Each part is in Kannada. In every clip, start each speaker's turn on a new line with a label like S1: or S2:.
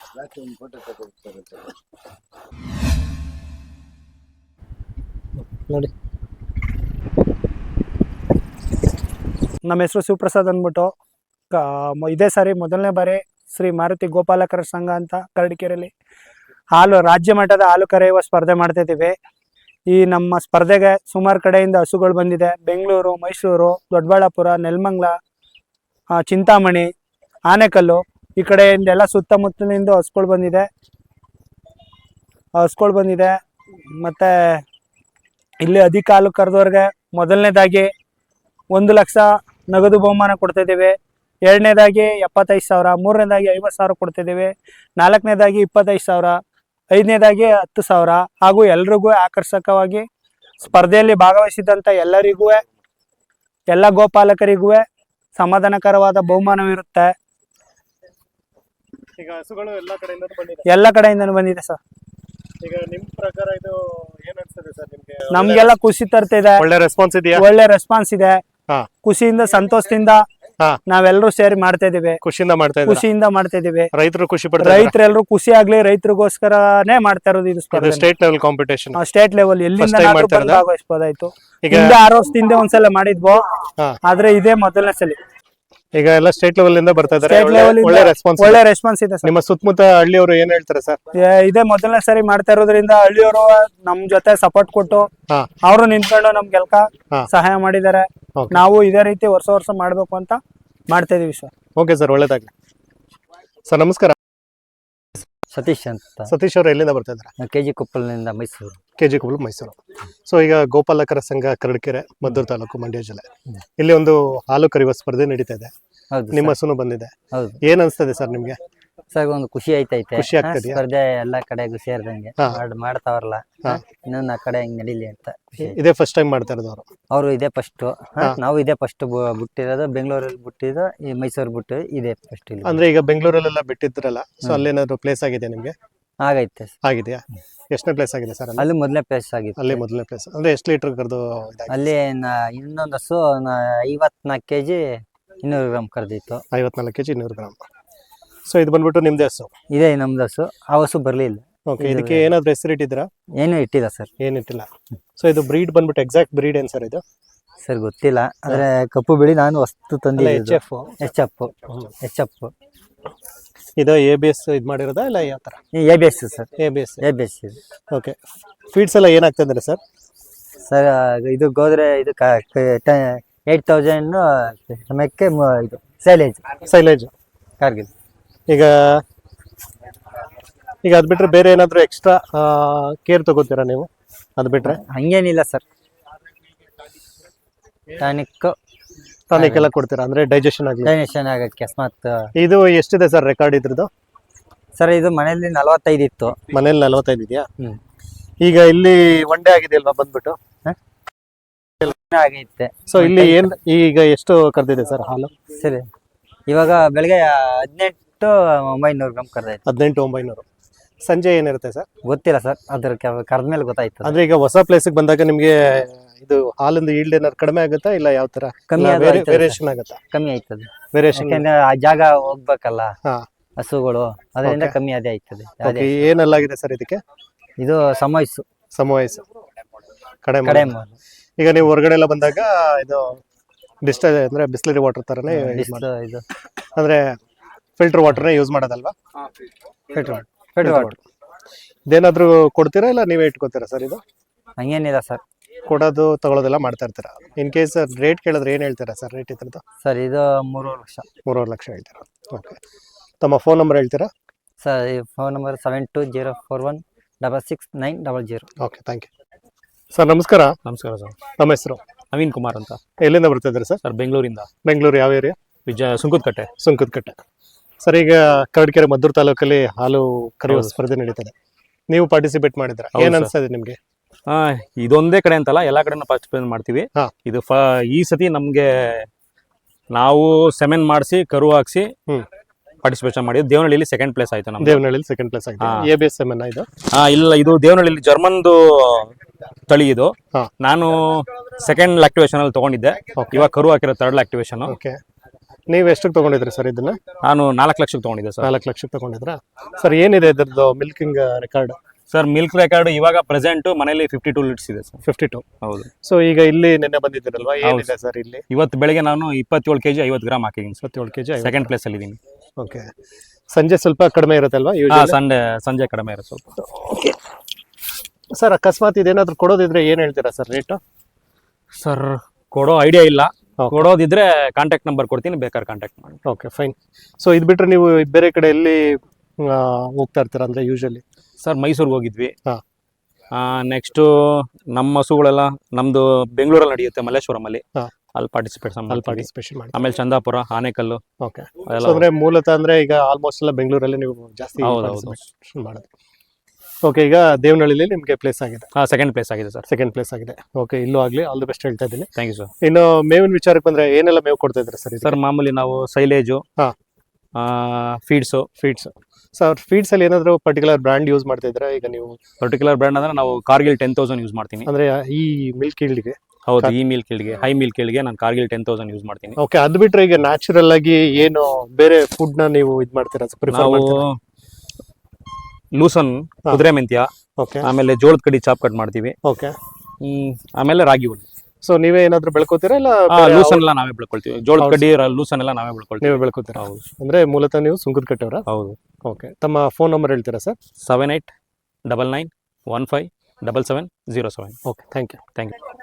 S1: ನೋಡಿ, ನಮ್ಮ ಹೆಸರು ಶಿವಪ್ರಸಾದ್ ಅಂದ್ಬಿಟ್ಟು ಇದೇ ಸಾರಿ ಮೊದಲನೇ ಬಾರಿ ಶ್ರೀ ಮಾರುತಿ ಗೋಪಾಲಕರ ಸಂಘ ಅಂತ ಕರಡಿಕೆರೆಯಲ್ಲಿ ರಾಜ್ಯ ಮಟ್ಟದ ಹಾಲು ಕರೆಯುವ ಸ್ಪರ್ಧೆ ಮಾಡ್ತಿದ್ದೀವಿ. ಈ ನಮ್ಮ ಸ್ಪರ್ಧೆಗೆ ಸುಮಾರು ಕಡೆಯಿಂದ ಹಸುಗಳು ಬಂದಿದೆ. ಬೆಂಗಳೂರು, ಮೈಸೂರು, ದೊಡ್ಡಬಳ್ಳಾಪುರ, ನೆಲಮಂಗಲ, ಚಿಂತಾಮಣಿ, ಆನೆಕಲ್ಲು ಈ ಕಡೆಯಿಂದ ಎಲ್ಲ ಸುತ್ತಮುತ್ತಲಿಂದ ಹಸುಗಳು ಬಂದಿದೆ. ಮತ್ತು ಇಲ್ಲಿ ಅಧಿಕ ಹಾಲು ಕರೆದವ್ರಿಗೆ ಮೊದಲನೇದಾಗಿ 1 ಲಕ್ಷ ನಗದು ಬಹುಮಾನ ಕೊಡ್ತಿದ್ದೀವಿ. ಎರಡನೇದಾಗಿ 75,000, ಮೂರನೇದಾಗಿ 50,000 ಕೊಡ್ತಿದ್ದೀವಿ. ನಾಲ್ಕನೇದಾಗಿ 25,000, ಐದನೇದಾಗಿ 10,000. ಹಾಗೂ ಎಲ್ರಿಗೂ ಆಕರ್ಷಕವಾಗಿ ಸ್ಪರ್ಧೆಯಲ್ಲಿ ಭಾಗವಹಿಸಿದಂಥ ಎಲ್ಲ ಗೋಪಾಲಕರಿಗೂ ಸಮಾಧಾನಕರವಾದ ಬಹುಮಾನವಿರುತ್ತೆ.
S2: ಈಗ ಹಸುಗಳು
S1: ಎಲ್ಲ ಕಡೆಯಿಂದನೂ ಬಂದಿದೆ ಸರ್.
S2: ಈಗ ನಿಮ್ ಪ್ರಕಾರ ಇದು ಏನ್ ಅನ್ಸುತ್ತೆ ಸರ್ ನಿಮ್ಗೆ?
S1: ನಮ್ಗೆಲ್ಲ ಖುಷಿ ತರ್ತಿದೆ.
S2: ಒಳ್ಳೆ ರೆಸ್ಪಾನ್ಸ್ ಇದೆಯಾ?
S1: ಒಳ್ಳೆ ರೆಸ್ಪಾನ್ಸ್ ಇದೆ. ಖುಷಿಯಿಂದ, ಸಂತೋಷದಿಂದ ನಾವೆಲ್ಲರೂ ಸೇರಿ ಮಾಡ್ತಾ ಇದೀವಿ.
S2: ಖುಷಿಯಿಂದ
S1: ಮಾಡ್ತಾ ಇದೀವಿ.
S2: ರೈತರು ಖುಷಿ ಪಡ್ತಾರೆ.
S1: ರೈತರೆಲ್ಲರೂ ಖುಷಿ ಆಗ್ಲಿ, ರೈತರಿಗೋಸ್ಕರನೇ ಮಾಡ್ತಾ ಇರೋದು ಇದು ಸ್ಪರ್ಧೆ.
S2: State level competition.
S1: State level ಎಲ್ಲಿಂದ ಭಾಗವಹಿಸಬಹುದಾಯ್ತು. ಹಿಂದೆ 6 ವರ್ಷದಿಂದ ಒಂದ್ಸಲ ಮಾಡಿದ್ವು, ಆದ್ರೆ ಇದೇ ಮೊದಲನೇ ಸಲ.
S2: ಈಗ ಎಲ್ಲ ಸ್ಟೇಟ್ ಲೆವೆಲ್ ಇಂದ ಬರ್ತಾ ಇದ್ದಾರೆ.
S1: ಒಳ್ಳೆ ರೆಸ್ಪಾನ್ಸ್ ಇದೆ.
S2: ನಿಮ್ಮ ಸುತ್ತಮುತ್ತ ಹಳ್ಳಿಯವರು ಏನ್ ಹೇಳ್ತಾರೆ ಸರ್?
S1: ಇದೇ ಮೊದಲನೇ ಸರಿ ಮಾಡ್ತಾ ಇರೋದ್ರಿಂದ ಹಳ್ಳಿಯವರು ನಮ್ ಜೊತೆ ಸಪೋರ್ಟ್ ಕೊಟ್ಟು ಅವರು ನಿಂತ್ಕೊಂಡು ನಮ್ಗೆಲ್ಕ ಸಹಾಯ ಮಾಡಿದ್ದಾರೆ. ನಾವು ಇದೇ ರೀತಿ ವರ್ಷ ಮಾಡ್ಬೇಕು ಅಂತ ಮಾಡ್ತಾ ಇದೀವಿ ಸರ್.
S2: ಓಕೆ ಸರ್, ಒಳ್ಳೇದಾಗ್ಲಿ ಸರ್. ನಮಸ್ಕಾರ.
S3: ಸತೀಶ್ ಅಂತ.
S2: ಸತೀಶ್ ಅವರು ಎಲ್ಲಿಂದ ಬರ್ತಾ ಇದ್ದಾರೆ?
S3: KG ಕೊಪ್ಪಲ್ನಿಂದ ಮೈಸೂರು.
S2: KG ಕೊಪ್ಪಲ್, ಮೈಸೂರು. ಸೊ ಈಗ ಗೋಪಾಲಕರ ಸಂಘ ಕರಡಿಕೆರೆ, ಮದ್ದೂರು ತಾಲೂಕು, ಮಂಡ್ಯ ಜಿಲ್ಲೆ, ಇಲ್ಲಿ ಒಂದು ಹಾಲು ಕರೆಯುವ ಸ್ಪರ್ಧೆ ನಡೀತಾ ಇದೆ. ನಿಮ್ಮ ಹಸುನು ಬಂದಿದೆ. ಏನ್ ಅನ್ಸ್ತದೆ ಸರ್ ನಿಮ್ಗೆ?
S3: ಸರ್ ಒಂದು ಖುಷಿ ಐತೈತೆ.
S2: ಖುಷಿ ಆಗ್ತದೆ.
S3: ಸ್ಪರ್ಧೆ ಎಲ್ಲಾ ಕಡೆಗೂ ಸೇರ್ದಂಗೆ ಮಾಡ್ತಾವ್ರಲ್ಲ, ಇನ್ನೊಂದು ಆ ಕಡೆ ಹಿಂಗ್ ನಡೀಲಿ ಅಂತ ಖುಷಿ.
S2: ಇದೇ ಫಸ್ಟ್ ಟೈಮ್ ಮಾಡ್ತಾ ಇರೋದು
S3: ಅವರು ಇದೇ ಫಸ್ಟ್. ನಾವು ಇದೇ ಫಸ್ಟ್ ಬಿಟ್ಟಿರೋದು. ಬೆಂಗಳೂರಲ್ಲಿ ಬಿಟ್ಟಿದ್ದು, ಈ ಮೈಸೂರು ಬಿಟ್ಟು ಇದೇ ಫಸ್ಟ್.
S2: ಅಂದ್ರೆ ಈಗ ಬೆಂಗಳೂರಲ್ಲೆಲ್ಲ ಬಿಟ್ಟಿದ್ರಲ್ಲ, ಸೊ ಅಲ್ಲೇನಾದ್ರು ಪ್ಲೇಸ್ ಆಗಿದೆ ನಿಮ್ಗೆ?
S3: ಆಗೈತೆ.
S2: ಆಗಿದೆಯಾ? ಎಷ್ಟನೇ ಪ್ಲೇಸ್ ಆಗಿದೆ ಸರ್?
S3: ಅಲ್ಲಿ ಮೊದಲನೇ ಪ್ಲೇಸ್ ಆಗಿತ್ತು.
S2: ಅಲ್ಲಿ ಮೊದಲನೇ ಪ್ಲೇಸ್. ಅಂದ್ರೆ ಎಷ್ಟು ಲೀಟರ್ ಕರೆದು?
S3: ಅಲ್ಲಿ ಇನ್ನೊಂದು ಹಸು 54 kg 200 ಗ್ರಾಮ್ ಕರೆದಿತ್ತು.
S2: 54 kg 200 ಗ್ರಾಮ್. ಸೊ ಇದು ಬಂದ್ಬಿಟ್ಟು ನಿಮ್ದೇ ಹಸು?
S3: ಇದೇ ನಮ್ದು ಹಸು. ಆ ಹಸು ಬರ್ಲಿಲ್ಲ.
S2: ಓಕೆ, ಇದಕ್ಕೆ ಏನಾದ್ರು ಹೆಸರು ಇಟ್ಟಿದ್ದೀರಾ?
S3: ಏನು ಇಟ್ಟಿಲ್ಲ ಸರ್.
S2: ಏನಿಟ್ಟಿಲ್ಲ. ಸೊ ಇದು ಬ್ರೀಡ್ ಬಂದ್ಬಿಟ್ಟು ಎಕ್ಸಾಕ್ಟ್ ಬ್ರೀಡ್ ಏನ್ ಸರ್ ಇದು?
S3: ಸರ್ ಗೊತ್ತಿಲ್ಲ, ಆದ್ರೆ ಕಪ್ಪು ಬಿಳಿ ನಾನು ವಸ್ತು ತಂದಿದ್ದೆ. HF.
S2: ಇದು ABS ಇದು ಮಾಡಿರೋದಾ ಇಲ್ಲ ಯಾವ ತರ?
S3: ABS sir. ABS.
S2: Okay. Feeds ಎಲ್ಲ ಏನಾಗ್ತದೆ ಸರ್?
S3: ಸರ್ ಇದು ಗೋದ್ರೆ ಇದು 8,000 ಸಮಯಕ್ಕೆ ಇದು ಸೈಲೇಜ್ ಕಾರ್ಗಿಲ್.
S2: ಈಗ ಅದ್ ಬಿಟ್ರೆ ಬೇರೆ ಏನಾದ್ರು ಎಕ್ಸ್ಟ್ರಾ ಕೇರ್ ತಗೋತೀರಾ ನೀವು? ಅದ್ ಬಿಟ್ರೆ
S3: ಹಂಗೇನಿಲ್ಲ ಸರ್. ಟಾನಿಕ್
S2: ಎಲ್ಲ ಕೊಡ್ತೀರಾ? ಅಂದ್ರೆ ಡೈಜೆಷನ್
S3: ಆಗಕ್ಕೆ. ಅಕಸ್ಮಾತ್
S2: ಇದು ಎಷ್ಟಿದೆ ಸರ್ ರೆಕಾರ್ಡ್ ಇದ್ರದ್ದು?
S3: ಸರ್ ಇದು ಮನೆಯಲ್ಲಿ 45 ಇತ್ತು.
S2: ಮನೇಲಿ 45 ಇದೆಯಾ? ಈಗ ಇಲ್ಲಿ ಒನ್ ಡೇ ಆಗಿದೆ ಅಲ್ವಾ ಬಂದ್ಬಿಟ್ಟು?
S3: ಆಗೈತೆ.
S2: ಸೊ ಇಲ್ಲಿ ಈಗ ಎಷ್ಟು ಕರೆದಿದೆ ಸರ್ ಹಾಲು?
S3: ಸರಿ, ಇವಾಗ ಬೆಳಗ್ಗೆ 18,900 ಗ್ರಾಮ್ ಕರೆದೈತೆ.
S2: 18,900. ಸಂಜೆ ಏನಿರುತ್ತೆ ಸರ್?
S3: ಗೊತ್ತಿಲ್ಲ ಸರ್, ಅದ್ರ ಕರೆದ್ಮೇಲೆ ಗೊತ್ತಾಯ್ತು.
S2: ಅಂದ್ರೆ ಈಗ ಹೊಸ ಪ್ಲೇಸಿಗೆ ಬಂದಾಗ ನಿಮ್ಗೆ ಇದು ಹಾಲಿಂದ ಈಲ್ಡ್ ಏನಾದ್ರು ಕಡಿಮೆ ಆಗುತ್ತಾ ಇಲ್ಲ ಯಾವ ತರ? ವೇರಿಯೇಷನ್ ಆಗುತ್ತಾ?
S3: ಕಮ್ಮಿ ಆಯ್ತದೆ.
S2: ವೇರಿಯೇಷನ್
S3: ಆ ಜಾಗ ಹೋಗ್ಬೇಕಲ್ಲ ಹಸುಗಳು, ಅದರಿಂದ ಕಮ್ಮಿ ಅದೇ ಆಯ್ತದೆ.
S2: ಏನೆಲ್ಲಾಗಿದೆ ಸರ್ ಇದಕ್ಕೆ?
S3: ಇದು ಸಮವಯಸ್ಸು
S2: ಕಡೆ. ಈಗ ನೀವು ಹೊರಗಡೆ ಎಲ್ಲ ಬಂದಾಗ ಇದು ಡಿಸ್ಟಲ್ ಅಂದ್ರೆ ಬಿಸ್ಲರಿ ವಾಟರ್ ತರನೇ ಇದು, ಅಂದ್ರೆ ಫಿಲ್ಟರ್ ವಾಟರ್ನೇ ಯೂಸ್ ಮಾಡೋದಲ್ವಾ?
S3: Filter water.
S2: ಇದೇನಾದ್ರೂ ಕೊಡ್ತೀರಾ ಇಲ್ಲ ನೀವೇ ಇಟ್ಕೋತೀರಾ ಸರ್? ಇದು
S3: ಹಂಗೇನಿಲ್ಲ ಸರ್,
S2: ಕೊಡೋದು ತಗೊಳ್ಳೋದೆಲ್ಲ ಮಾಡ್ತಾ ಇರ್ತೀರಾ. ಇನ್ ಕೇಸ್ ರೇಟ್ ಕೇಳಿದ್ರೆ ಏನ್ ಹೇಳ್ತೀರಾ ಸರ್ ರೇಟ್ ಇದ್ರದ್ದು?
S3: ಸರ್ ಇದು 3.5
S2: ಲಕ್ಷ ಹೇಳ್ತೀರಾ? ಓಕೆ. ತಮ್ಮ ಫೋನ್ ನಂಬರ್ ಹೇಳ್ತೀರಾ
S3: ಸರ್? ಈ phone number 7204166900.
S2: Okay, thank you sir. ನಮಸ್ಕಾರ.
S1: ನಮಸ್ಕಾರ ಸರ್.
S2: ನಮ್ಮ ಹೆಸರು
S1: ನವೀನ್ ಕುಮಾರ್ ಅಂತ.
S2: ಎಲ್ಲಿಂದ ಬರ್ತಾ ಇದ್ದೀರಾ ಸರ್?
S1: ಸರ್ ಬೆಂಗಳೂರಿಂದ.
S2: ಬೆಂಗಳೂರು ಯಾವ ಏರಿಯಾ?
S1: ಸುಂಕದಕಟ್ಟೆ.
S2: ಸರ್ ಈಗ ಕರಡಿಕೆರೆ ಮದ್ದೂರು ತಾಲೂಕಲ್ಲಿ ಹಾಲು ಕರೆಯುವ ಸ್ಪರ್ಧೆ ನಡೀತದೆ. ನೀವು ಪಾರ್ಟಿಸಿಪೇಟ್ ಮಾಡಿದ್ರ, ಏನ್ ಅನ್ಸ್ತದೆ ನಿಮ್ಗೆ?
S1: ಇದೊಂದೇ ಕಡೆ ಅಂತಲ್ಲ, ಎಲ್ಲಾ ಕಡೆ ಪಾರ್ಟಿಸಿಪೇಟ್ ಮಾಡ್ತೀವಿ. ಇದು ಈ ಸತಿ ನಮ್ಗೆ ನಾವು ಸೆಮೆನ್ ಮಾಡಿಸಿ ಕರು ಹಾಕ್ಸಿ ಪಾರ್ಟಿಸಿಪೇಷನ್ ಮಾಡಿ ದೇವನಹಳ್ಳಿಯಲ್ಲಿ ಸೆಕೆಂಡ್ ಪ್ಲೇಸ್ ಆಯ್ತು. ನಮ್ಮ
S2: ದೇವನಹಳ್ಳಿಯಲ್ಲಿ ಸೆಕೆಂಡ್ ಪ್ಲೇಸ್ ಆಯ್ತು. ABS ಸೆಮೆನ್ ಇದು?
S1: ಇಲ್ಲ, ಇದು ದೇವನಹಳ್ಳಿಯಲ್ಲಿ ಜರ್ಮನ್ದು ತಳಿ ಇದು. ನಾನು ಸೆಕೆಂಡ್ ಲ್ಯಾಕ್ಟಿವೇಶನ್ ಅಲ್ಲಿ ತಗೊಂಡಿದ್ದೆ. ಇವಾಗ ಕರು ಹಾಕಿರೋ ಥರ್ಡ್ ಲ್ಯಾಕ್ಟಿವೇಶನ್.
S2: ನೀವು ಎಷ್ಟಕ್ಕೆ ತಗೊಂಡಿದ್ರಿ ಸರ್ ಇದನ್ನ?
S4: ನಾನು 4 ಲಕ್ಷಕ್ಕೆ ತಗೊಂಡಿದ್ದೆ ಸರ್.
S2: 4 ಲಕ್ಷಕ್ಕೆ ತಗೊಂಡಿದ್ರಾ ಸರ್? ಏನಿದೆ ಇದ್ರದ್ದು milking record?
S4: Sir milk record ಇವಾಗ ಪ್ರೆಸೆಂಟ್ ಮನೇಲಿ 52 ಲೀಟರ್ಸ್ ಇದೆ ಸರ್.
S2: 52.
S4: ಹೌದು.
S2: ಸೊ ಈಗ ಇಲ್ಲಿ ನಿನ್ನೆ ಬಂದಿದ್ದೀರಲ್ವಾ, ಏನಿದೆ ಸರ್ ಇಲ್ಲಿ?
S4: ಇವತ್ತು ಬೆಳಗ್ಗೆ ನಾನು 27 kg 50 ಗ್ರಾಮ್ ಹಾಕಿದ್ದೀನಿ ಸರ್.
S2: 27 kg
S4: ಸೆಕೆಂಡ್ ಪ್ಲೇಸ್ ಅಲ್ಲಿ ಇದ್ದೀನಿ.
S2: ಓಕೆ. ಸಂಜೆ ಸ್ವಲ್ಪ ಕಡಿಮೆ ಇರುತ್ತಲ್ವಾ
S4: ಸಂಜೆ ಕಡಿಮೆ ಇರುತ್ತೆ ಸ್ವಲ್ಪ.
S2: ಸರ್ ಅಕಸ್ಮಾತ್ ಇದೇನಾದ್ರು ಕೊಡೋದಿದ್ರೆ ಏನ್ ಹೇಳ್ತೀರಾ ಸರ್ ರೇಟ್?
S4: ಸರ್ ಕೊಡೋ ಐಡಿಯಾ ಇಲ್ಲ. ಕೊಡೋದಿದ್ರೆ ಕಾಂಟ್ಯಾಕ್ಟ್ ನಂಬರ್ ಕೊಡ್ತೀನಿ, ಬೇಕಾದ್ರೆ ಕಾಂಟ್ಯಾಕ್ಟ್ ಮಾಡಿ.
S2: Okay fine. ಸೊ ಇದು ಬಿಟ್ರೆ ನೀವು ಬೇರೆ ಕಡೆ ಎಲ್ಲಿ ಹೋಗ್ತಾ ಇರ್ತೀರಾ ಅಂದ್ರೆ ಯೂಶಲಿ?
S4: ಸರ್ ಮೈಸೂರಿಗೆ ಹೋಗಿದ್ವಿ.
S2: ಹಾ.
S4: ನೆಕ್ಸ್ಟ್ ನಮ್ಮ ಹಸುಗಳೆಲ್ಲ ನಮ್ದು ಬೆಂಗಳೂರಲ್ಲಿ ನಡೆಯುತ್ತೆ, ಮಲ್ಲೇಶ್ವರಂ ಅಲ್ಲಿ.
S2: ಹಾ.
S4: ಅಲ್ಲಿ
S2: ಪಾರ್ಟಿಸಿಪೇಷನ್ ಮಾಡಿ.
S4: ಆಮೇಲೆ ಚಂದಾಪುರ, ಆನೇಕಲ್ಲು.
S2: ಓಕೆ. ಅಂದ್ರೆ ಮೂಲತಃ ಅಂದ್ರೆ ಈಗ ಆಲ್ಮೋಸ್ಟ್ ಎಲ್ಲ ಬೆಂಗಳೂರಲ್ಲಿ ನೀವು ಜಾಸ್ತಿ participation ಮಾಡೋದು. ಓಕೆ. ಈಗ ದೇವನಹಳ್ಳಿಲಿ ನಿಮಗೆ ಪ್ಲೇಸ್ ಆಗಿದೆ?
S4: ಸೆಕೆಂಡ್ ಪ್ಲೇಸ್ ಆಗಿದೆ ಸರ್.
S2: ಸೆಕೆಂಡ್ ಪ್ಲೇಸ್ ಆಗಿದೆ. ಓಕೆ. ಇಲ್ಲೂ ಆಗ್ಲಿ, ಆಲ್ ದಿ ಬೆಸ್ಟ್ ಹೇಳ್ತಾ ಇದ್ದೀನಿ.
S4: Thank you sir.
S2: ಇನ್ನು ಮೇವಿನ ವಿಚಾರಕ್ಕೆ ಬಂದ್ರೆ ಏನೆಲ್ಲ ಮೇವು ಕೊಡ್ತಾ ಇದ್ರೆ ಸರ್?
S4: ಸರ್ ಮಾಮೂಲಿ ನಾವು ಸೈಲೇಜು,
S2: ಹಾ, ಫೀಡ್ಸ್. ಸರ್ ಫೀಡ್ಸ್ ಅಲ್ಲಿ ಏನಾದ್ರು ಪರ್ಟಿಕ್ಯುಲರ್ ಬ್ರ್ಯಾಂಡ್ ಯೂಸ್ ಮಾಡ್ತಾ ಇದ್ರೆ ಈಗ ನೀವು?
S4: ಪರ್ಟಿಕ್ಯುಲರ್ ಬ್ರ್ಯಾಂಡ್ ಅಂದ್ರೆ ನಾವು ಕಾರ್ಗಿಲ್ 10,000 ಯೂಸ್ ಮಾಡ್ತೀನಿ.
S2: ಅಂದ್ರೆ ಈ ಮಿಲ್ಕ್ ಈಲ್ಡ್ಗೆ?
S4: ಹೌದು, ಈ ಮಿಲ್ಕ್ ಈಲ್ಡ್ಗೆ, ಹೈ ಮಿಲ್ಕ್ ಈಲ್ಡ್ಗೆ ನಾನು ಕಾರ್ಗಿಲ್ 10,000 ಯೂಸ್ ಮಾಡ್ತೀನಿ.
S2: ಓಕೆ. ಅದು ಬಿಟ್ರೆ ಈಗ ನ್ಯಾಚುರಲ್ ಆಗಿ ಏನು ಬೇರೆ ಫುಡ್ ನ ನೀವು ಇದು ಮಾಡ್ತೀರಾ?
S4: ನಾವು ಲೂಸನ್, ಕುದುರೆ ಮೆಂತ್ಯ,
S2: ಓಕೆ,
S4: ಆಮೇಲೆ ಜೋಳದ ಕಡಿ ಚಾಪ್ ಕಟ್ ಮಾಡ್ತೀವಿ.
S2: ಓಕೆ.
S4: ಆಮೇಲೆ ರಾಗಿ ಹುಲ್ಲು.
S2: ಸೊ ನೀವೇ ಏನಾದ್ರು ಬೆಳ್ಕೋತೀರಾ ಇಲ್ಲ?
S4: ಲೂಸನ್ ಎಲ್ಲ ನಾವೇ ಬೆಳ್ಕೊಳ್ತೀವಿ. ಜೋಳದ ಕಡ್ಡಿ, ಲೂಸನ್ ಎಲ್ಲ ನಾವೇ ಬೆಳ್ಕೊಳ್ತೀವಿ.
S2: ನೀವೇ ಬೆಳ್ಕೋತೀರಾ?
S4: ಹೌದು.
S2: ಅಂದ್ರೆ ಮೂಲತಃ ನೀವು ಸುಂಕದಕಟ್ಟೆಯವರ?
S4: ಹೌದು.
S2: ಓಕೆ. ತಮ್ಮ ಫೋನ್ ನಂಬರ್ ಹೇಳ್ತೀರಾ sir?
S4: 7899157707.
S2: Okay. Thank you.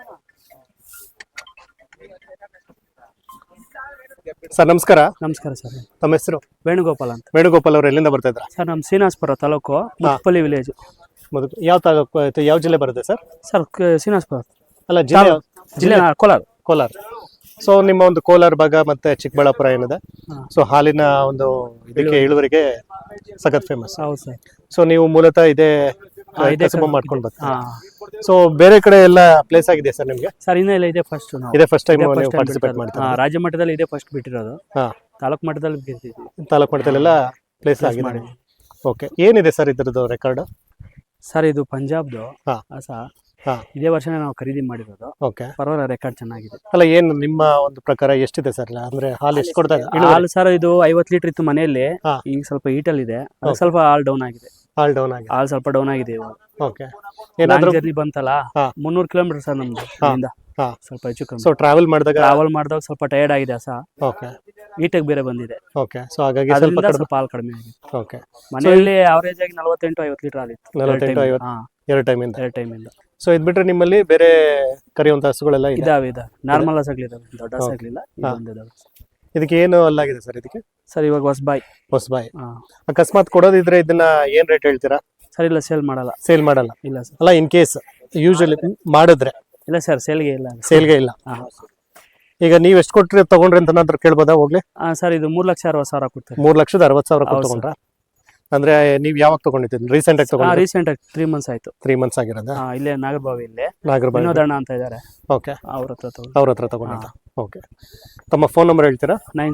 S2: Sir ನಮಸ್ಕಾರ.
S1: ನಮಸ್ಕಾರ ಸರ್.
S2: ತಮ್ಮ ಹೆಸರು?
S1: ವೇಣುಗೋಪಾಲ್ ಅಂತ.
S2: ವೇಣುಗೋಪಾಲ್ ಅವರು ಎಲ್ಲಿಂದ ಬರ್ತಾ ಇದ್ರ?
S1: ಸರ್ ನಮ್ಮ ಶ್ರೀನಿವಾಸಪುರ ತಾಲೂಕು, ಮುತ್ತಪಲ್ಲಿ ವಿಲೇಜ್.
S2: ಯಾವ ತಾಲೂಕು, ಯಾವ ಜಿಲ್ಲೆ ಬರುತ್ತೆ ಸರ್?
S1: ಸರ್ ಶ್ರೀನಿವಾಸಪುರ
S2: ಅಲ್ಲ, ಜಿಲ್ಲೆ ಕೋಲಾರ. ಸೊ ನಿಮ್ಮ ಒಂದು ಕೋಲಾರ ಭಾಗ ಮತ್ತೆ ಚಿಕ್ಕಬಳ್ಳಾಪುರ ಏನಿದೆ, ಸೊ ಹಾಲಿನ ಒಂದು ಇದಕ್ಕೆ ಇಳುವರಿಗೆ ಸಖತ್ ಫೇಮಸ್.
S1: ಹೌದು ಸರ್.
S2: ಸೊ ನೀವು ಮೂಲತಃ ಇದೇ ಮಾಡ್ಕೊಂಡು ಬರ್ತೀರಾ? ಸೊ ಬೇರೆ ಕಡೆ ಎಲ್ಲ ಪ್ಲೇಸ್ ಆಗಿದೆ ಸರ್ ನಿಮ್ಗೆ?
S1: ಸರ್ ಇನ್ನೂ ಇಲ್ಲ, ಇದೆ ಫಸ್ಟ್.
S2: ಇದೇ ಫಸ್ಟ್ ಟೈಮ್ ನೀವು ಪಾರ್ಟಿಸಿಪೇಟ್ ಮಾಡ್ತೀರಾ?
S1: ರಾಜ್ಯ ಮಟ್ಟದಲ್ಲಿ ಇದೇ ಫಸ್ಟ್ ಬಿಟ್ಟಿರೋದು. ತಾಲೂಕು ಮಟ್ಟದಲ್ಲಿ ಬಿಟ್ಟಿದ್ದೀವಿ.
S2: ತಾಲೂಕು ಮಟ್ಟದಲ್ಲೆಲ್ಲ ಪ್ಲೇಸ್ ಆಗಿದೆ. ಓಕೆ. ಏನಿದೆ ಸರ್ ಇದ್ರದ್ದು ರೆಕಾರ್ಡ್?
S1: ಸರ್ ಇದು ಪಂಜಾಬ್ದು ಹಸ. ಇದೇ ವರ್ಷನೇ ನಾವು ಖರೀದಿ ಮಾಡಿರೋದು.
S2: ಓಕೆ.
S1: ಪರವಾಗಿಲ್ಲ, ರೆಕಾರ್ಡ್ ಚೆನ್ನಾಗಿದೆ.
S2: ಅಲ್ಲ, ಏನು ನಿಮ್ಮ ಒಂದು ಪ್ರಕಾರ ಎಷ್ಟಿದೆ ಸರ್? ಅಂದ್ರೆ ಹಾಲು ಎಷ್ಟು ಕೊಡ್ತಾ ಇದೆ?
S1: ಹಾಲು ಸರ್ ಇದು 50 ಲೀಟರ್ ಇತ್ತು ಮನೆಯಲ್ಲಿ. ಈಗ ಸ್ವಲ್ಪ ಹೀಟಲ್ ಇದೆ, ಸ್ವಲ್ಪ ಹಾಲ್ ಡೌನ್ ಆಗಿದೆ. ಹಾಲ್ ಸ್ವಲ್ಪ ಡೌನ್ ಆಗಿದೆ ಇವಾಗ.
S2: ಓಕೆ. ಏನಾದ್ರೂ
S1: ಜರ್ನಿ ಬಂತಲ್ಲ, 300 ಕಿಲೋಮೀಟರ್ ಸರ್ ನಮ್ದು ಇಲ್ಲಿಂದ. ಸ್ವಲ್ಪ ಹೆಚ್ಚು ಕಮ್ಮಿ.
S2: ಸೊ ಟ್ರಾವೆಲ್ ಮಾಡಿದಾಗ
S1: ಸ್ವಲ್ಪ ಟಯರ್ಡ್ ಆಗಿದೆ ಹಸ.
S2: ಓಕೆ.
S1: ಹೀಟಾಗಿ ಬೇರೆ ಬಂದಿದೆ.
S2: ಓಕೆ. ಸೊ ಹಾಗಾಗಿ
S1: ಸ್ವಲ್ಪ ಹಾಲು ಕಡಿಮೆ ಆಗಿದೆ.
S2: ಓಕೆ.
S1: ಮನೆಯಲ್ಲಿ ಅವರೇಜ್ ಆಗಿ 48-50 ಲೀಟರ್ ಆಗಿತ್ತು.
S2: 48-50 ಎರಡು ಟೈಮಿಂದ. ಸೊ ಇದ್ ಬಿಟ್ರೆ ನಿಮ್ಮಲ್ಲಿ ಬೇರೆ ಕರೆಯುವಂತ ಹಸುಗಳೆಲ್ಲ
S1: ಇದಾವೆ. ನಾರ್ಮಲ್ ಹಸುಗಳಿದಾವೆ, ದೊಡ್ಡ ಹಸುಗಳಿಲ್ಲ.
S2: ಇದಕ್ಕೆ ಏನು ಅಲ್ಲಾಗಿದೆ ಸರ್? ಇದಕ್ಕೆ
S1: ಸರ್ ಇವಾಗ ಹೊಸಬಾಯಿ.
S2: ಅಕಸ್ಮಾತ್ ಕೊಡೋದಿದ್ರೆ ಇದನ್ನ ಏನ್ ರೇಟ್ ಹೇಳ್ತೀರಾ?
S1: ಸರ್ ಇಲ್ಲ, ಸೇಲ್ ಮಾಡಲ್ಲ. ಇಲ್ಲ ಸರ್.
S2: ಅಲ್ಲ, ಇನ್ ಕೇಸ್ ಯೂಶಲಿ ಮಾಡಿದ್ರೆ?
S1: ಇಲ್ಲ ಸರ್, ಸೇಲ್ಗೆ ಇಲ್ಲ.
S2: ಈಗ ನೀವ್ ಎಷ್ಟು ಕೊಟ್ರಿ ತಗೊಂಡ್ರಿ ಅಂತ ಏನಾದ್ರು ಕೇಳ್ಬೋದಾ? ಹೋಗ್ಲಿ.
S1: ಸರ್ ಇದು 3,60,000 ಕೊಡ್ತಾರೆ.
S2: 3,60,000 ಕೊಟ್ಟು ತಗೊಂಡ್ರ? ಅಂದ್ರೆ ನೀವ್ ಯಾವಾಗ ತಗೊಂಡಿದ್ದೀರಿ? ರೀಸೆಂಟ್ ಆಗಿ ತಗೊಂಡ್ರಿ?
S1: ರೀಸೆಂಟ್ ಆಗಿ 3 ಮಂತ್ಸ್ ಆಯ್ತು.
S2: 3 ಮಂತ್ಸ್ ಆಗಿರೋದಾ?
S1: ಇಲ್ಲೇ ನಾಗರಬಾವಿ
S2: ವಿನೋದಣ್ಣ
S1: ಅಂತ ಇದಾರೆ.
S2: ಓಕೆ. ಅವ್ರ ಹತ್ರ ತಗೊಂಡಿದ್ದ. ಓಕೆ. ತಮ್ಮ ಫೋನ್ ನಂಬರ್ ಹೇಳ್ತೀರಾ?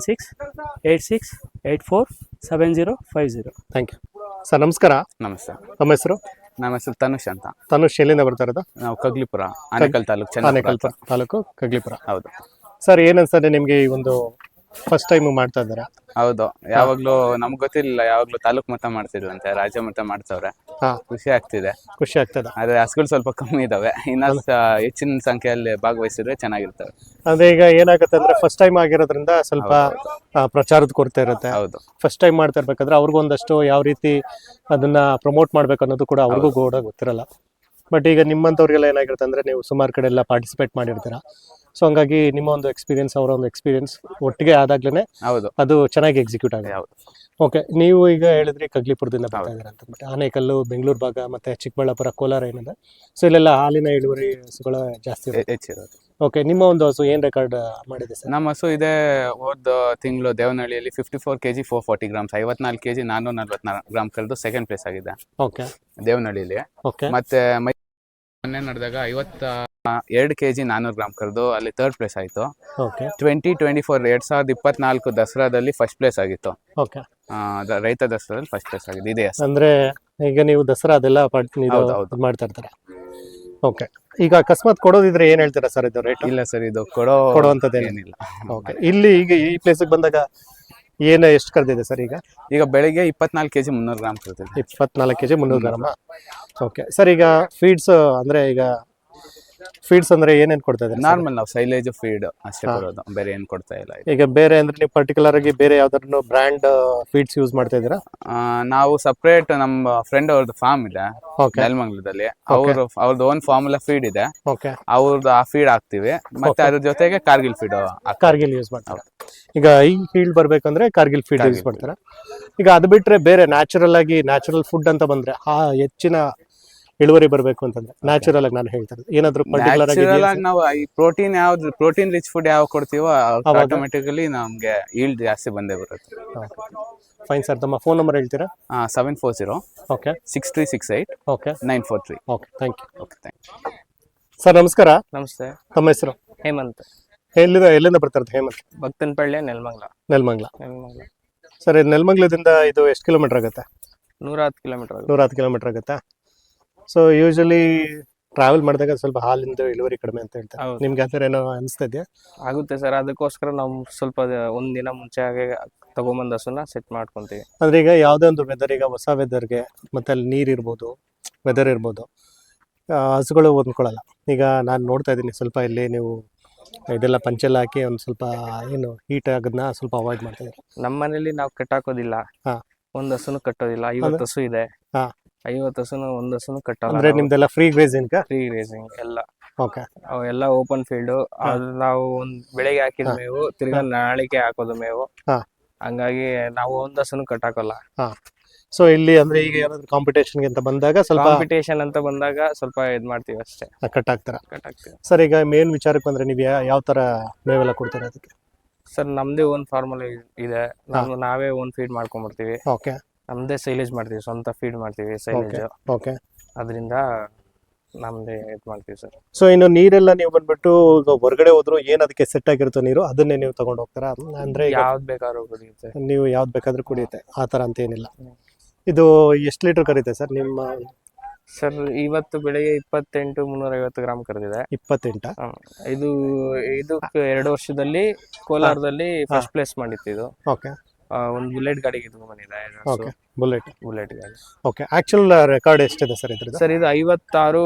S1: 9686847050.
S2: Thank you sir. ನಮಸ್ಕಾರ.
S5: ನಮಸ್ತೆ.
S2: ನಮ್ಮ ಹೆಸರು?
S5: ನಮ್ಮ ಹೆಸರು ತನುಷ್ ಅಂತ.
S2: ತನುಷ್ ಎಲ್ಲಿಂದ ಬರ್ತಾ ಇರೋದು?
S5: ನಾವು ಕಗ್ಲಿಪುರ, ಆನೇಕಲ್
S2: ತಾಲೂಕು ಕಗ್ಲಿಪುರ.
S5: ಹೌದು
S2: ಸರ್, ಏನ್ ಅನ್ಸ್ತದೆ ನಿಮ್ಗೆ ಈ ಒಂದು ಫಸ್ಟ್ ಟೈಮ್ ಮಾಡ್ತಾ ಇದ್ದಾರೆ?
S5: ಹೌದು. ಯಾವಾಗ್ಲೂ ನಮ್ಗೆ ಗೊತ್ತಿರ್ಲಿಲ್ಲ, ಯಾವಾಗ್ಲೂ ತಾಲೂಕ್ ಮಟ್ಟ ಮಾಡ್ತಿದ್ರಂತೆ, ರಾಜ್ಯ ಮಟ್ಟ ಮಾಡ್ತವ್ರೆ. ಖುಷಿ ಆಗ್ತದೆ. ಆದ್ರೆ ಹಸುಗಳು ಸ್ವಲ್ಪ ಕಮ್ಮಿ ಇದಾವೆ, ಇನ್ನ ಹೆಚ್ಚಿನ ಸಂಖ್ಯೆಯಲ್ಲಿ ಭಾಗವಹಿಸಿದ್ರೆ ಚೆನ್ನಾಗಿರ್ತವೆ.
S2: ಅದೇ ಈಗ ಏನಾಗುತ್ತೆ ಅಂದ್ರೆ ಫಸ್ಟ್ ಟೈಮ್ ಆಗಿರೋದ್ರಿಂದ ಸ್ವಲ್ಪ ಪ್ರಚಾರದ ಕೊರತೆ ಇರುತ್ತೆ.
S5: ಹೌದು.
S2: ಫಸ್ಟ್ ಟೈಮ್ ಮಾಡ್ತಾ ಇರ್ಬೇಕಾದ್ರೆ ಅವ್ರಿಗೂ ಒಂದಷ್ಟು ಯಾವ ರೀತಿ ಅದನ್ನ ಪ್ರಮೋಟ್ ಮಾಡ್ಬೇಕು ಅನ್ನೋದು ಕೂಡ ಅವ್ರಿಗೂ ಕೂಡ ಗೊತ್ತಿರಲ್ಲ. ಬಟ್ ಈಗ ನಿಮ್ಮಂತವ್ರಿಗೆಲ್ಲ ಏನಾಗಿರುತ್ತೆ ಅಂದ್ರೆ ನೀವು ಸುಮಾರು ಕಡೆ ಎಲ್ಲ ಪಾರ್ಟಿಸಿಪೇಟ್ ಮಾಡಿರ್ತೀರಾ. ಸೊ ಹಂಗಾಗಿ ನಿಮ್ಮ ಒಂದು ಎಕ್ಸ್ಪೀರಿಯನ್ಸ್, ಅವರ ಒಂದು ಎಕ್ಸ್ಪೀರಿಯನ್ಸ್ ಒಟ್ಟಿಗೆ ಆದಾಗ್ಲೇನೆ ಅದು ಚೆನ್ನಾಗಿ ಎಕ್ಸಿಕ್ಯೂಟ್ ಆಗಿದೆ. ಓಕೆ. ನೀವು ಈಗ ಹೇಳಿದ್ರಿ ಕಗ್ಲಿಪುರದಿಂದ ಬರ್ತಾ ಇದ್ದೀರಾ ಅಂತ. ಬಟ್ ಆನೇಕಲ್ಲು, ಬೆಂಗಳೂರು ಭಾಗ ಮತ್ತೆ ಚಿಕ್ಕಬಳ್ಳಾಪುರ, ಕೋಲಾರ ಏನಿದೆ, ಸೊ ಇಲ್ಲೆಲ್ಲ ಹಾಲಿನ ಇಳುವರಿ ಹಸುಗಳ ಜಾಸ್ತಿ ಹೆಚ್ಚಿರೋದು. ಓಕೆ. ನಿಮ್ಮ ಒಂದು ಹಸು ಏನ್ ರೆಕಾರ್ಡ್ ಮಾಡಿದೆ ಸರ್?
S5: ನಮ್ಮ ಹಸು ಇದೆ ಹೋದ ತಿಂಗಳು ದೇವನಹಳ್ಳಿಯಲ್ಲಿ 54 kg 440 ಗ್ರಾಮ್ಸ್, 54 kg 444 ಗ್ರಾಮ್ ಕಳೆದು ಸೆಕೆಂಡ್ ಪ್ಲೇಸ್ ಆಗಿದೆ.
S2: ಓಕೆ.
S5: ದೇವನಹಳ್ಳಿಯಲ್ಲಿ. ಮತ್ತೆ ಮೊನ್ನೆ ನಡೆದಾಗ 52 kg 400 ಗ್ರಾಮ್ ಕರೆದು ಅಲ್ಲಿ ಥರ್ಡ್ ಪ್ಲೇಸ್ ಆಯ್ತು. 2024 ದಸರಾದಲ್ಲಿ ಫಸ್ಟ್ ಪ್ಲೇಸ್ ಆಗಿತ್ತು. ರೈತ ದಸರಾದಲ್ಲಿ ಫಸ್ಟ್ ಪ್ಲೇಸ್ ಆಗಿದೆ. ಇದೆ
S2: ಅಂದ್ರೆ ಈಗ ನೀವು ದಸರಾ ಅದೆಲ್ಲ ಮಾಡ್ತಾ ಇರ್ತಾರೆ. ಓಕೆ. ಈಗ ಅಕಸ್ಮಾತ್ ಕೊಡೋದಿದ್ರೆ ಏನ್ ಹೇಳ್ತೀರಾ ಸರ್ ಇದು ರೇಟ್?
S5: ಇಲ್ಲ ಸರ್, ಇದು
S2: ಕೊಡುವಂಥದ್ದೇನಿಲ್ಲ.
S5: ಏನಿಲ್ಲ.
S2: ಓಕೆ. ಇಲ್ಲಿ ಈಗ ಈ ಪ್ಲೇಸಿಗೆ ಬಂದಾಗ ಎಷ್ಟು ಕರೆದಿದೆ ಸರ್ ಈಗ?
S5: ಈಗ ಬೆಳಿಗ್ಗೆ 24 kg 300 ಗ್ರಾಮ್ ಕೊಡ್ತೀವಿ.
S2: 24 kg 300 ಗ್ರಾಮ. Okay sir. ಈಗ ಫೀಡ್ಸ್ ಅಂದ್ರೆ ಏನೇನು ಕೊಡ್ತಾ ಇದ್ದಾರೆ?
S5: ನಾರ್ಮಲ್ ನಾವು ಸೈಲೇಜ್ ಫೀಡ್ ಅಷ್ಟೇ ಕೊಡೋದು, ಬೇರೆ ಏನ್ ಕೊಡ್ತಾ ಇಲ್ಲ.
S2: ಈಗ ಬೇರೆ ಅಂದ್ರೆ ನೀವು ಪರ್ಟಿಕ್ಯುಲರ್ ಆಗಿ ಬೇರೆ ಯಾವ್ದಾದ್ರು ಬ್ರ್ಯಾಂಡ್ ಫೀಡ್ಸ್ ಯೂಸ್ ಮಾಡ್ತಾ ಇದ್ದೀರಾ?
S5: ನಾವು ಸಪ್ರೇಟ್ ನಮ್ಮ ಫ್ರೆಂಡ್ ಅವ್ರದ್ದು ಫಾರ್ಮ್ ಇದೆ
S2: ಓಕೆ.
S5: ನೆಲಮಂಗಲದಲ್ಲಿ. ಅವ್ರದ್ದು ಓನ್ ಫಾರ್ಮುಲಾ ಫೀಡ್ ಇದೆ.
S2: ಓಕೆ.
S5: ಅವ್ರದ್ದು ಆ ಫೀಡ್ ಹಾಕ್ತಿವಿ, ಮತ್ತೆ ಅದ್ರ ಜೊತೆಗೆ ಕಾರ್ಗಿಲ್ ಫೀಡ್.
S2: ಕಾರ್ಗಿಲ್ ಯೂಸ್ ಮಾಡ್ತಾರೆ. ಈಗ ಈ ಫೀಲ್ಡ್ ಬರ್ಬೇಕಂದ್ರೆ ಕಾರ್ಗಿಲ್ ಫೀಡ್ ಯೂಸ್ ಮಾಡ್ತಾರೆ. ಈಗ ಅದು ಬಿಟ್ರೆ ಬೇರೆ ನ್ಯಾಚುರಲ್ ಫುಡ್ ಅಂತ ಬಂದ್ರೆ ಹೆಚ್ಚಿನ ಇಳುವರಿ ಬರ್ಬೇಕು ಅಂತಂದ್ರೆ ನ್ಯಾಚುರಲ್ ಆಗಿ ನಾನು ಹೇಳ್ತಾ ಇರೋದು ಏನಾದ್ರು ಪರ್ಟಿಕ್ಯುಲರ್ ಆಗಿ
S5: ನಾವು ಈ ಪ್ರೋಟೀನ್ ರಿಚ್ ಫುಡ್ ಯಾವ ಕೊಡ್ತೀವೋ ಆಟೋಮೆಟಿಕಲಿ ನಮ್ಗೆ ಈಲ್ಡ್ ಜಾಸ್ತಿ ಬಂದೇ ಬರುತ್ತೆ.
S2: Fine sir. ತಮ್ಮ ಫೋನ್ ನಂಬರ್ ಹೇಳ್ತೀರಾ?
S5: 740
S2: okay
S5: 6368
S2: okay
S5: 943.
S2: Okay. Thank you.
S5: Okay, thank you.
S2: Sir ನಮಸ್ಕಾರ.
S6: ನಮಸ್ತೆ.
S2: ತಮ್ಮ ಹೆಸರು?
S6: ಹೇಮಂತ್.
S2: ಎಲ್ಲಿಂದ ಬರ್ತಾರೆ ಹೇಮಂತ್?
S6: ಭಕ್ತನಪಳ್ಳಿ, ನೆಲಮಂಗಲ.
S2: ನೆಲಮಂಗಲ. ಸರ್ ನೆಲಮಂಗಲದಿಂದ ಇದು ಎಷ್ಟು ಕಿಲೋಮೀಟರ್ ಆಗುತ್ತೆ?
S6: 110 ಕಿಲೋಮೀಟರ್.
S2: 110 ಕಿಲೋಮೀಟರ್ ಆಗುತ್ತಾ? ಸೊ ಯೂಶಲಿ ಟ್ರಾವೆಲ್ ಮಾಡಿದಾಗ ಸ್ವಲ್ಪ ಹಾಲಿಂದ ಇಳುವರಿ ಕಡಿಮೆ ಅಂತ ಹೇಳ್ತಾರೆ.
S6: ಹೌದು.
S2: ನಿಮ್ಗೆ ಆ ಥರ ಏನೋ ಅನಿಸ್ತಾ ಇದೆಯಾ?
S6: ಆಗುತ್ತೆ ಸರ್, ಅದಕ್ಕೋಸ್ಕರ ನಾವು ಸ್ವಲ್ಪ ಒಂದಿನ ಮುಂಚೆ ಹಾಗೆ ತಗೊಂಬಂದು ಹಸುನ ಸೆಟ್ ಮಾಡ್ಕೊಂತೀವಿ.
S2: ಅಂದ್ರೆ ಈಗ ಯಾವುದೇ ಒಂದು ವೆದರ್, ಈಗ ಹೊಸ ವೆದರ್ಗೆ ಮತ್ತೆ ಅಲ್ಲಿ ನೀರು ಇರ್ಬೋದು, ವೆದರ್ ಇರ್ಬೋದು, ಹಸುಗಳು ಹೊಂದ್ಕೊಳ್ಳಲ್ಲ. ಈಗ ನಾನು ನೋಡ್ತಾ ಇದ್ದೀನಿ ಸ್ವಲ್ಪ ಇಲ್ಲಿ ನೀವು ಇದೆಲ್ಲ ಪಂಚೆಲ್ಲ ಹಾಕಿ ಒಂದು ಸ್ವಲ್ಪ ಏನು ಹೀಟ್ ಆಗೋದನ್ನ ಸ್ವಲ್ಪ ಅವಾಯ್ಡ್ ಮಾಡ್ತಾ ಇದ್ದೀರಾ.
S6: ನಮ್ಮ ಮನೇಲಿ ನಾವು ಕಟ್ಟಾಕೋದಿಲ್ಲ.
S2: ಹಾ.
S6: ಒಂದ್ ಹಸುನು ಕಟ್ಟೋದಿಲ್ಲ. 50 ಹಸು ಇದೆ.
S2: ಹಾ.
S6: 50 ಹಸುನು ಒಂದ್ ಹಸುನು ಕಟ್ಟಲ್ಲ.
S2: ಅಂದ್ರೆ ನಿಮ್ದೆಲ್ಲ ಫ್ರೀ ಗ್ರೇಸಿಂಗ್?
S6: ಫ್ರೀ ರೇಸಿಂಗ್ ಎಲ್ಲ.
S2: ಓಕೆ.
S6: ಅವೆಲ್ಲ ಓಪನ್ ಫೀಲ್ಡ್. ಅದು ನಾವು ಬೆಳಗ್ಗೆ ಹಾಕಿದ ಮೇವು, ತಿರ್ಗಾ ನಾಳಿಕೆ ಹಾಕೋದು ಮೇವು.
S2: ಹಾ.
S6: ಹಂಗಾಗಿ ನಾವು ಒಂದ್ ಹಸುನು ಕಟ್ಟಾಕಲ್ಲ.
S2: ಸೊ ಇಲ್ಲಿ ಅಂದ್ರೆ ಈಗ ಏನಾದ್ರು ಕಾಂಪಿಟೇಷನ್ಗೆ ಅಂತ ಬಂದಾಗ ಸ್ವಲ್ಪ
S6: ಕಾಂಪಿಟೇಷನ್ ಅಂತ ಬಂದಾಗ ಸ್ವಲ್ಪ ಇದ್ ಮಾಡ್ತೀವಿ ಅಷ್ಟೇ,
S2: ಕಟ್ಟಾಗ್ತಾರ.
S6: ಕಟ್ಟಾಕ್ತೀವಿ.
S2: ಸರ್ ಈಗ ಮೇನ್ ವಿಚಾರಕ್ಕೆ ಬಂದ್ರೆ ನೀವು ಯಾವ ತರ ಮೇವೆಲ್ಲ ಕೊಡ್ತೀರಾ ಅದಕ್ಕೆ?
S6: ಸರ್ ನಮ್ದೇ ಓನ್ ಫಾರ್ಮುಲಾ ಇದೆ. ನಾವೇ ಓನ್ ಫೀಡ್ ಮಾಡ್ಕೊಂಡ್ಬರ್ತೀವಿ.
S2: ಓಕೆ.
S6: ನಮ್ದೇ ಸೈಲೇಜ್ ಮಾಡ್ತೀವಿ, ಸ್ವಂತ ಫೀಡ್ ಮಾಡ್ತೀವಿ ಸೈಲೇಜ್.
S2: ಓಕೆ.
S6: ಅದರಿಂದ ನಮ್ದೇ ಇದ್ ಮಾಡ್ತೀವಿ ಸರ್.
S2: ಸೊ ಇನ್ನು ನೀರೆಲ್ಲ ನೀವು ಬಂದ್ಬಿಟ್ಟು ಈಗ ಹೊರಗಡೆ ಹೋದ್ರು ಏನ್ ಅದಕ್ಕೆ ಸೆಟ್ ಆಗಿರುತ್ತೋ ನೀರು ಅದನ್ನೇ ನೀವು ತಗೊಂಡು ಹೋಗ್ತಾರಾ? ಅಂದ್ರೆ
S6: ಯಾವ್ದು ಬೇಕಾದ್ರೂ ಕುಡಿಯುತ್ತೆ.
S2: ನೀವು ಯಾವ್ದು ಬೇಕಾದ್ರೂ ಕುಡಿಯುತ್ತೆ ಆ ತರ ಅಂತ ಏನಿಲ್ಲ. ಇದು ಎಷ್ಟು ಲೀಟರ್ ಕರೀತೆ ಸರ್ ನಿಮ್ಮ?
S6: ಸರ್ ಇವತ್ತು ಬೆಳಿಗ್ಗೆ 28 350 ಗ್ರಾಮ್ ಕರೆದಿದೆ.
S2: 28?
S6: ಇದು 2 ವರ್ಷದಲ್ಲಿ ಕೋಲಾರದಲ್ಲಿ ಫಸ್ಟ್ ಪ್ಲೇಸ್ ಮಾಡಿತ್ತು ಇದು.
S2: ಓಕೆ.
S6: ಒಂದು ಬುಲೆಟ್ ಗಾಡಿಗೆ ಇದು ಬಂದಿದೆ.
S2: ಓಕೆ. ಬುಲೆಟ್
S6: ಗಾಡಿ.
S2: ಓಕೆ. ಆಕ್ಚುಲ್ ರೆಕಾರ್ಡ್ ಎಷ್ಟಿದೆ ಸರ್ ಇದ್ರದ್ದು?
S6: ಸರ್ ಇದು 56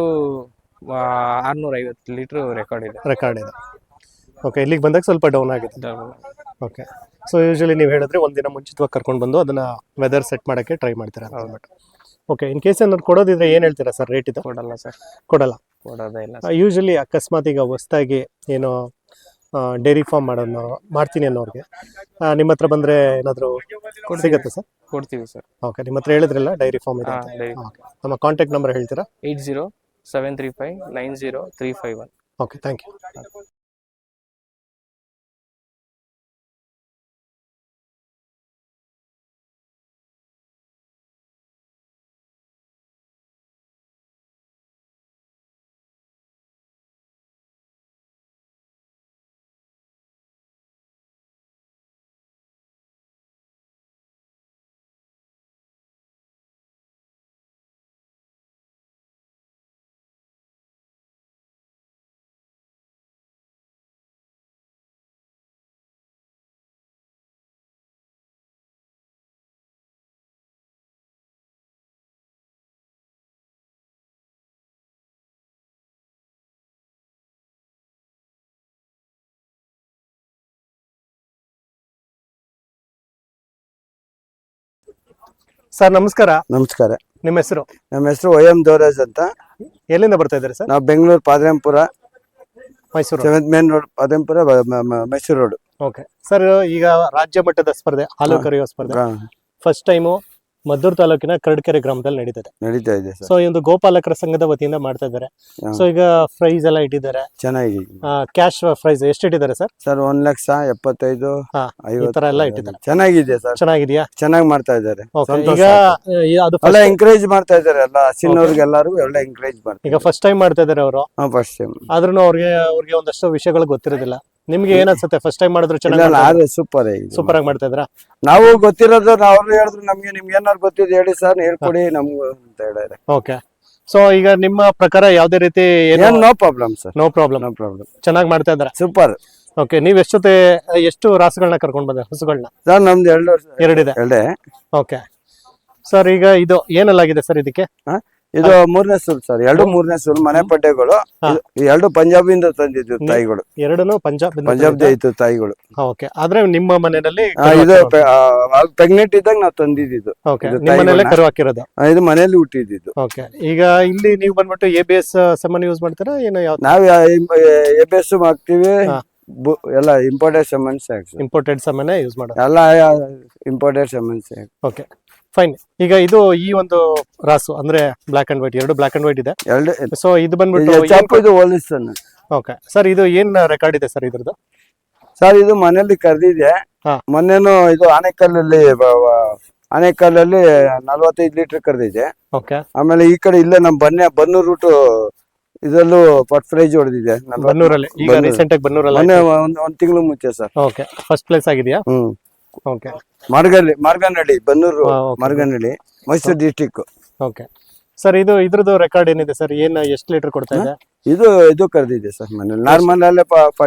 S6: 650 ಲೀಟರ್ ರೆಕಾರ್ಡ್ ಇದೆ.
S2: ಓಕೆ. ಇಲ್ಲಿಗೆ ಬಂದಾಗ ಸ್ವಲ್ಪ ಡೌನ್ ಆಗಿದೆ. ಓಕೆ. ಸೊ ಯೂಶಲಿ ನೀವು ಹೇಳಿದ್ರೆ ಒಂದಿನ ಮುಂಚಿತವಾಗಿ ಕರ್ಕೊಂಡು ಬಂದು ಅದನ್ನ ವೆದರ್ ಸೆಟ್ ಮಾಡೋಕ್ಕೆ ಟ್ರೈ ಮಾಡ್ತೀರಾ ಅಂತ ಹೇಳ್ಬಿಟ್ಟು. ಓಕೆ. ಇನ್ ಕೇಸ್ ಏನಾದ್ರು ಕೊಡೋದಿದ್ರೆ ಏನು ಹೇಳ್ತೀರಾ ಸರ್ ರೇಟ್ ಇದು?
S6: ಕೊಡಲ್ಲ ಸರ್, ಕೊಡೋದೇ ಇಲ್ಲ.
S2: ಯೂಶಲಿ ಅಕಸ್ಮಾತ್ ಈಗ ಹೊಸದಾಗಿ ಏನೋ ಡೈರಿ ಫಾರ್ಮ್ ಮಾಡ್ತೀನಿ ಅನ್ನೋರಿಗೆ ನಿಮ್ಮ ಹತ್ರ ಬಂದ್ರೆ ಏನಾದರೂ ಸಿಗುತ್ತೆ ಸರ್?
S6: ಕೊಡ್ತೀವಿ ಸರ್.
S2: ಓಕೆ. ನಿಮ್ಮ ಹತ್ರ ಹೇಳಿದ್ರಲ್ಲ ಡೈರಿ ಫಾರ್ಮ್ ಇದೆ ಅಂತ. ಓಕೆ. ನಮ್ಮ ಕಾಂಟ್ಯಾಕ್ಟ್ ನಂಬರ್ ಹೇಳ್ತೀರಾ?
S6: 8073590351.
S2: ಓಕೆ. Thank you. ಸರ್ ನಮಸ್ಕಾರ.
S7: ನಮಸ್ಕಾರ.
S2: ನಿಮ್ಮ ಹೆಸರು?
S7: ನಮ್ಮ ಹೆಸರು OM ದೇವರಾಜ್ ಅಂತ.
S2: ಎಲ್ಲಿಂದ ಬರ್ತಾ ಇದ್ದಾರೆ ಸರ್?
S7: ನಾವು Bengaluru Padarayanapura,
S2: Mysuru
S7: 7th main road, Padarayanapura, Mysuru road.
S2: Okay sir. ಈಗ ರಾಜ್ಯ ಮಟ್ಟದ ಸ್ಪರ್ಧೆ, ಹಾಲು ಕರೆಯುವ ಸ್ಪರ್ಧೆ ಫಸ್ಟ್ ಟೈಮು ಮದ್ದೂರು ತಾಲೂಕಿನ ಕರಡ್ಕೆರೆ ಗ್ರಾಮದಲ್ಲಿ
S7: ನಡೀತಾ ಇದೆ ಸರ್.
S2: ಸೊ ಈ ಒಂದು ಗೋಪಾಲಕರ ಸಂಘದ ವತಿಯಿಂದ ಮಾಡ್ತಾ ಇದ್ದಾರೆ. ಸೊ ಈಗ ಪ್ರೈಸ್ ಎಲ್ಲ ಇಟ್ಟಿದ್ದಾರೆ.
S7: ಚೆನ್ನಾಗಿ
S2: ಕ್ಯಾಶ್ ಪ್ರೈಸ್ ಎಷ್ಟು ಇಟ್ಟಿದ್ದಾರೆ ಸರ್?
S7: ಸರ್ 1,75,000
S2: ಈ ತರ ಎಲ್ಲ ಇಟ್ಟಿದ್ದಾರೆ.
S7: ಚೆನ್ನಾಗಿದೆ ಸರ್.
S2: ಚೆನ್ನಾಗಿದೆಯಾ?
S7: ಚೆನ್ನಾಗಿ ಮಾಡ್ತಾ ಇದ್ದಾರೆ.
S2: ಈಗ ಅದು
S7: ಎಲ್ಲ ಎಂಕರೇಜ್ ಮಾಡ್ತಾ ಇದ್ದಾರೆ. ಎಲ್ಲ ಹಸಿನವ್ರಿಗೆ ಎಲ್ಲರಿಗೂ ಒಳ್ಳೆ ಎಂಕರೇಜ್ ಮಾಡ್ತಾರೆ.
S2: ಈಗ ಫಸ್ಟ್ ಟೈಮ್ ಮಾಡ್ತಾ ಇದ್ದಾರೆ ಅವರು.
S7: ಫಸ್ಟ್ ಟೈಮ್
S2: ಆದ್ರೂ ಅವ್ರಿಗೆ ಒಂದಷ್ಟು ವಿಷಯಗಳು ಗೊತ್ತಿರೋದಿಲ್ಲ. ನಿಮ್ಗೆ ಏನ್ಸುತ್ತೆ ಫಸ್ಟ್ ಟೈಮ್ ಮಾಡಿದ್ರು ಚೆನ್ನಾಗಿ? ಸೂಪರ್ ಆಗಿ ಮಾಡ್ತಾ ಇದ್ರ?
S7: ನಾವು ಗೊತ್ತಿರೋದು ಅವ್ರು ಹೇಳಿದ್ರು ನಮ್ಗೆ, ನಿಮ್ಗೆ ಏನಾದ್ರು ಗೊತ್ತಿದೆ ಹೇಳಿ ಸರ್, ಹೇಳ್ಕೊಡಿ ನಮ್ಗೆ ಅಂತ ಹೇಳಿದ್ರೆ.
S2: ಓಕೆ. ಸೊ ಈಗ ನಿಮ್ಮ ಪ್ರಕಾರ ಯಾವ್ದೇ ರೀತಿ
S7: ಏನ್ no problem sir,
S2: no problem,
S7: no problem,
S2: ಚೆನ್ನಾಗಿ ಮಾಡ್ತಾ ಇದಾರೆ.
S7: ಸೂಪರ್.
S2: ಓಕೆ, ನೀವ್ ಎಷ್ಟು ರಾಸುಗಳನ್ನ ಕರ್ಕೊಂಡ್ ಬಂದ್ರೆ ಹಸುಗಳನ್ನ?
S7: ಸರ್ ನಮ್ದು
S2: ಎರಡಿದೆ.
S7: ಎರಡೇ.
S2: ಓಕೆ ಸರ್, ಈಗ ಇದು ಏನಲ್ಲಾಗಿದೆ ಸರ್ ಇದಕ್ಕೆ?
S7: ಇದು 3ನೇ ಸೂಲ್ ಸರ್, 2 3ನೇ ಮನೆ ಪಡ್ಡೆಗಳು. ಈ 2 ಪಂಜಾಬಿಂದ ತಂದಿದ್ದು ತಾಯಿಗಳು,
S2: ಎರಡೂ
S7: ಪಂಜಾಬ್ ಇತ್ತು ತಾಯಿಗಳು.
S2: ಓಕೆ, ಆದ್ರೆ ನಿಮ್ಮ ಮನೆಯಲ್ಲಿ
S7: ಇದು ಪ್ರೆಗ್ನೆಂಟ್ ಇದ್ದಾಗ ನಾವು ತಂದಿದ್ದು.
S2: ಓಕೆ, ನಿಮ್ಮ ಮನೆಯಲ್ಲೇ ಕರು ಹಾಕಿರೋದು?
S7: ಇದು ಮನೆಯಲ್ಲಿ ಹುಟ್ಟಿದ್ದು.
S2: ಓಕೆ, ಈಗ ಇಲ್ಲಿ ನೀವು ಬಂದ್ಬಿಟ್ಟು ABS ಸೆಮನ್ ಯೂಸ್ ಮಾಡ್ತೀರಾ ಏನು?
S7: ನಾವ್ ABS ಹಾಕ್ತಿವಿ, ಎಲ್ಲ imported semens.
S2: Imported semen use ಮಾಡೋದು
S7: ಎಲ್ಲ ಇಂಪೋರ್ಟೆಡ್ ಸೆಮನ್ಸ್.
S2: Okay fine. ಈಗ ಇದು ಈ ಒಂದು ರಾಸು ಅಂದ್ರೆ black and white, 2 black and white ಇದೆ. ಸೊ ಇದು ಬಂದ್ಬಿಟ್ಟು
S7: ಇದು ಹೋಲಿಸ್ತಾನೆ.
S2: ಓಕೆ ಸರ್, ಇದು ಏನ್ ರೆಕಾರ್ಡ್ ಇದೆ ಸರ್ ಇದ್ರದ್ದು?
S7: ಸರ್ ಇದು ಮನೆಯಲ್ಲಿ ಕರೆದಿದೆ. ಮೊನ್ನೆನು ಇದು ಆನೆಕಲ್ಲಲ್ಲಿ 45 ಲೀಟರ್ ಕರೆದಿದೆ.
S2: ಓಕೆ,
S7: ಆಮೇಲೆ ಈ ಕಡೆ ಇಲ್ಲೇ ನಮ್ ಬನ್ನೂರ್ ರೂಟ್ ಇದರಲ್ಲೂ ಫಸ್ಟ್ ಪ್ರೈಸ್ ಹೊಡೆದಿದೆ
S2: ಬನ್ನೂರಲ್ಲಿ. ಈಗ ರೀಸೆಂಟ್ ಆಗಿ ಬನ್ನೂರಲ್ಲಿ
S7: ಮೊನ್ನೆ ಒಂದ್ ತಿಂಗಳು ಮುಂಚೆ ಸರ್.
S2: ಓಕೆ, ಫಸ್ಟ್ ಪ್ಲೇಸ್ ಆಗಿದೆಯಾ? Okay,
S7: Marganahalli, Bannur Marganahalli, Mysuru district.
S2: Okay sir, ಇದ್ರದ್ದು ರೆಕಾರ್ಡ್ ಏನಿದೆ ಸರ್? ಎಷ್ಟು ಲೀಟರ್ ಕೊಡ್ತಾ ಇದೆ?
S7: ಇದು ಕರೆದಿದೆ ಸರ್ ಮನೇಲಿ. ನಾರ್ಮಲ್ ಅಲ್ಲೇ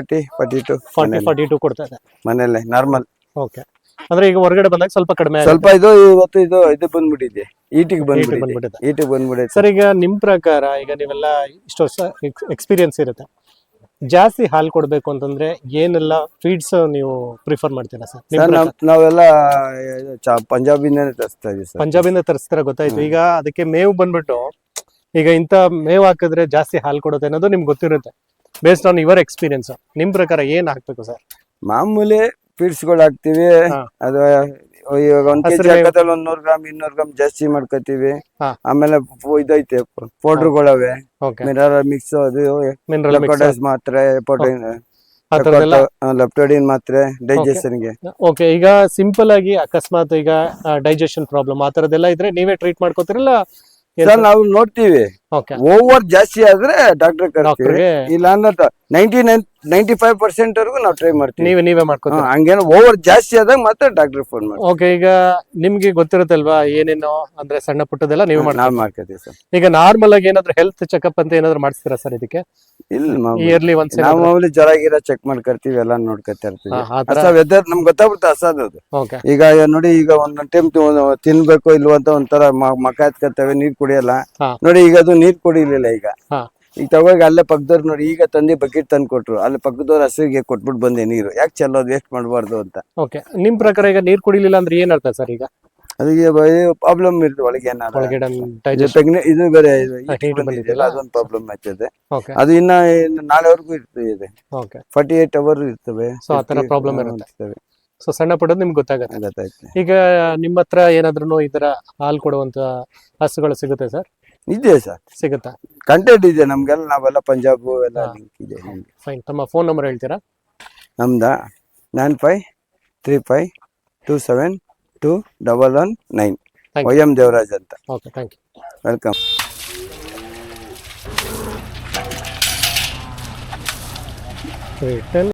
S7: 40-42
S2: ಕೊಡ್ತಾ ಇದೆ
S7: ಮನೇಲೆ ನಾರ್ಮಲ್.
S2: ಓಕೆ, ಅಂದ್ರೆ ಈಗ ಹೊರಗಡೆ ಬಂದಾಗ ಸ್ವಲ್ಪ ಕಡಿಮೆ,
S7: ಸ್ವಲ್ಪ ಇದು ಬಂದ್ಬಿಟ್ಟಿದೆ, ಈಟಿಗೆ ಬಂದ್ಬಿಟ್ಟಿದೆ
S2: ಸರ್. ಈಗ ನಿಮ್ ಪ್ರಕಾರ ಈಗ ನೀವೆಲ್ಲ ಇಷ್ಟು ವರ್ಷ ಎಕ್ಸ್ಪೀರಿಯನ್ಸ್ ಇರುತ್ತೆ, ಜಾಸ್ತಿ ಹಾಲು ಕೊಡ್ಬೇಕು ಅಂತಂದ್ರೆ ಏನೆಲ್ಲ ಫೀಡ್ಸ್ ನೀವು ಪ್ರಿಫರ್ ಮಾಡ್ತೀರಾ ಸರ್?
S7: ನಾವೆಲ್ಲ ಪಂಜಾಬಿಂದಾನೆ ತರಿಸ್ತಾ ಇದೀವಿ ಸರ್.
S2: ಪಂಜಾಬಿಂದ ತರಿಸ್ತಾರ, ಗೊತ್ತಾಯ್ತು. ಈಗ ಅದಕ್ಕೆ ಮೇವು ಬಂದ್ಬಿಟ್ಟು ಈಗ ಇಂತ ಮೇವು ಹಾಕಿದ್ರೆ ಜಾಸ್ತಿ ಹಾಲು ಕೊಡುತ್ತೆ ಅನ್ನೋದು ನಿಮ್ಗೆ ಗೊತ್ತಿರುತ್ತೆ, ಬೇಸ್ಡ್ ಆನ್ ಯುವರ್ ಎಕ್ಸ್ಪೀರಿಯನ್ಸ್. ನಿಮ್ ಪ್ರಕಾರ ಏನ್ ಹಾಕ್ಬೇಕು ಸರ್?
S7: ಮಾಮೂಲಿ ಫೀಡ್ಸ್ ಗಳು ಹಾಕ್ತಿವಿ. ಅದು ಇವಾಗ 1 kg ಹಾಕತ್ತಲ್ಲ 100 ಗ್ರಾಮ್ 200 ಗ್ರಾಮ್ ಜಾಸ್ತಿ ಮಾಡ್ಕೋತೀವಿ. ಆಮೇಲೆ ಇದೈತೆ ಪೌಡರ್ಗಳವೆ, ಮಿನರಲ್ ಮಿಕ್ಸ್, ಅದು ಲೆಪ್ಟೋಡೈಸ್ ಮಾತ್ರೆ, ಲೆಪ್ಟೋಡಿನ್ ಮಾತ್ರೆ ಡೈಜೆಷನ್ಗೆ.
S2: ಓಕೆ, ಈಗ ಸಿಂಪಲ್ ಆಗಿ ಅಕಸ್ಮಾತ್ ಈಗ ಡೈಜೆಷನ್ ಪ್ರಾಬ್ಲಮ್ ಆ ತರದೆಲ್ಲ ಇದ್ರೆ ನೀವೇ ಟ್ರೀಟ್ ಮಾಡ್ಕೋತಿರಲ್ಲ?
S7: ಸರ್ ನಾವು ನೋಡ್ತೀವಿ, ಓವರ್ ಜಾಸ್ತಿ ಆದ್ರೆ ಡಾಕ್ಟರ್ ಕರ್ತೀವಿ, ಇಲ್ಲ ಅಂದ್ರೆ 95% ವರೆಗೂ ನಾವು ಟ್ರೈ ಮಾಡ್ತೀವಿ.
S2: ನೀವೇ ಮಾಡ್ಕೊತೀವಿ.
S7: ಹಂಗೇನೋ ಓವರ್ ಜಾಸ್ತಿ ಆದಾಗ ಮಾತ್ರ ಡಾಕ್ಟರ್ ಫೋನ್ ಮಾಡಿ.
S2: ಓಕೆ, ಈಗ ನಿಮ್ಗೆ ಗೊತ್ತಿರುತ್ತಲ್ವಾ ಏನೇನೋ ಅಂದ್ರೆ ಸಣ್ಣ ಪುಟ್ಟದೆಲ್ಲ ನೀವು
S7: ಮಾಡ್ಕೊತೀವಿ ಸರ್.
S2: ಈಗ ನಾರ್ಮಲ್ ಆಗಿ ಏನಾದ್ರು ಹೆಲ್ತ್ ಚೆಕಪ್ ಅಂತ ಏನಾದ್ರು ಮಾಡಿಸ್ತೀರಾ ಸರ್ ಇದಕ್ಕೆ?
S7: ಇಲ್ಲ,
S2: ಇಯರ್ಲಿ ಒನ್ಸ್
S7: ನಾವು ಮಾಮೂಲಿ ಜ್ವರ ಗಿರ ಚೆಕ್ ಮಾಡ್ಕೊಳ್ತೀವಿ, ಎಲ್ಲ ನೋಡ್ಕೊತಾ ಇರ್ತೀವಿ. ವೆದರ್ ನಮ್ಗೆ ಗೊತ್ತಾಗ್ಬಿಡುತ್ತೆ ಹಸದು. ಈಗ ನೋಡಿ, ಈಗ ಒಂದೊಂದ್ ಟೈಮ್ ತಿನ್ಬೇಕು ಇಲ್ವ ಅಂತ ಒಂಥರ ಮಕ ಎತ್ಕೊತೇವೆ, ನೀರ್ ಕುಡಿಯಲ್ಲ. ನೋಡಿ ಈಗ ಅದು ನೀರ್ ಕುಡಿಲಿಲ್ಲ. ಈಗ ತಗೋಗಿ ಅಲ್ಲೇ ಪಕ್ಕದವ್ರು ನೋಡಿ, ಈಗ ತಂದೆ ಬಕೆಟ್ ತಂದು ಕೊಟ್ರು, ಅಲ್ಲಿ ಪಕ್ಕದವ್ರ ಹಸುವಿಗೆ ಕೊಟ್ಬಿಟ್ಟು ಬಂದೆ ನೀರು. ಯಾಕೆ ಚೆಲ್ಲೋದು, ವೇಸ್ಟ್ ಮಾಡಬಾರ್ದು ಅಂತ.
S2: ಓಕೆ, ನಿಮ್ ಪ್ರಕಾರ ಈಗ ನೀರ್ ಕುಡಿಲಿಲ್ಲ ಅಂದ್ರೆ ಏನ್ ಅರ್ಥ ಸರ್? ಈಗ
S7: ಅದಕ್ಕೆ ಪ್ರಾಬ್ಲಮ್ ಇರ್ತದೆ ಒಳಗೆ, ಇದು ಬೇರೆ ಅದೊಂದು ಪ್ರಾಬ್ಲಮ್ ಆಗ್ತದೆ. ಅದು ಇನ್ನ ನಾಳೆವರೆಗೂ ಇರ್ತದೆ, 48 ಅವರ್ ಇರ್ತವೆ.
S2: ಸೊ ಆ ತರ ಪ್ರಾಬ್ಲಮ್ ಇರ್ತವೆ. ಸೊ ಸಣ್ಣ ಪುಟ್ಟದ್ದು ನಿಮ್ಗೆ ಗೊತ್ತಾಗುತ್ತೆ. ಈಗ ನಿಮ್ಮ ಹತ್ರ ಏನಾದ್ರು ಈ ತರ ಹಾಲು ಕೊಡುವಂತ ಹಸುಗಳು ಸಿಗುತ್ತೆ ಸರ್?
S7: ಇದೆ ಸರ್,
S2: ಸಿಗುತ್ತಾ?
S7: ಕಂಟೆಂಟ್ ಇದೆ ನಮ್ಗೆಲ್ಲ, ನಾವೆಲ್ಲ ಪಂಜಾಬ್ ಎಲ್ಲ ಲಿಂಕ್ ಇದೆ.
S2: ಫೈನ್, ತಮ್ಮ ಫೋನ್ ನಂಬರ್ ಹೇಳ್ತೀರಾ?
S7: ನಮ್ದ 9535272119, YM ದೇವರಾಜ್ ಅಂತ.
S2: Okay, thank you,
S7: welcome.